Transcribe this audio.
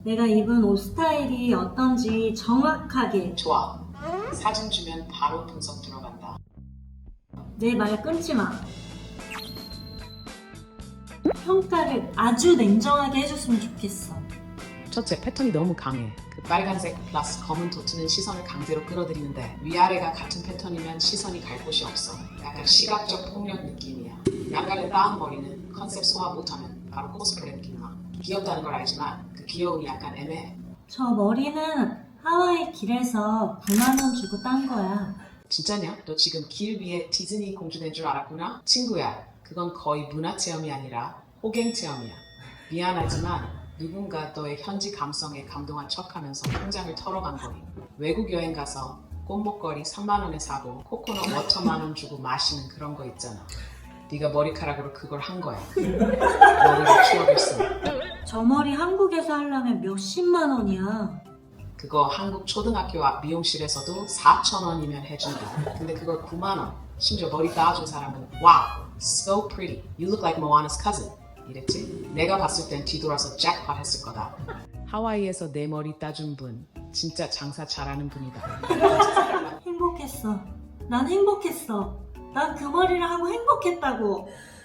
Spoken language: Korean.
내가 입은 옷 스타일이 어떤지 정확하게. 좋아. 사진 주면 바로 분석 들어간다. 내 말 끊지 마. 평가를 아주 냉정하게 해줬으면 좋겠어. 첫째, 패턴이 너무 강해. 그 빨간색 플러스 검은 도트는 시선을 강제로 끌어들이는데 위아래가 같은 패턴이면 시선이 갈 곳이 없어. 약간 시각적 폭력 느낌이야. 양갈래 따은 머리는 컨셉 소화 못하면 바로 코스프레 느낌 나. 귀엽다는 걸 알지만 그 귀여움이 약간 애매해. 저 머리는 하와이 길에서 9만 원 주고 딴 거야. 진짜냐? 너 지금 길 위에 디즈니 공주 된 줄 알았구나? 친구야, 그건 거의 문화 체험이 아니라 호갱 체험이야. 미안하지만 누군가 너의 현지 감성에 감동한 척하면서 통장을 털어간 거니. 외국 여행 가서 꽃목걸이 3만 원에 사고 코코넛 워터만 원 주고 마시는 그런 거 있잖아. 네가 머리카락으로 그걸 한 거야. 머리를 추억했어. 저 머리 한국에서 하려면 몇십만 원이야. 그거 한국 초등학교 앞 미용실에서도 4,000원이면 해준다. 근데 그걸 9만 원. 심지어 머리 따준 사람은 Wow, so pretty. You look like Moana's cousin. 이랬지? 내가 봤을 땐 뒤돌아서 잭팟 했을 거다. 하와이에서 내 머리 따준 분 진짜 장사 잘하는 분이다. 행복했어. 난 행복했어. 난 그 머리를 하고 행복했다고.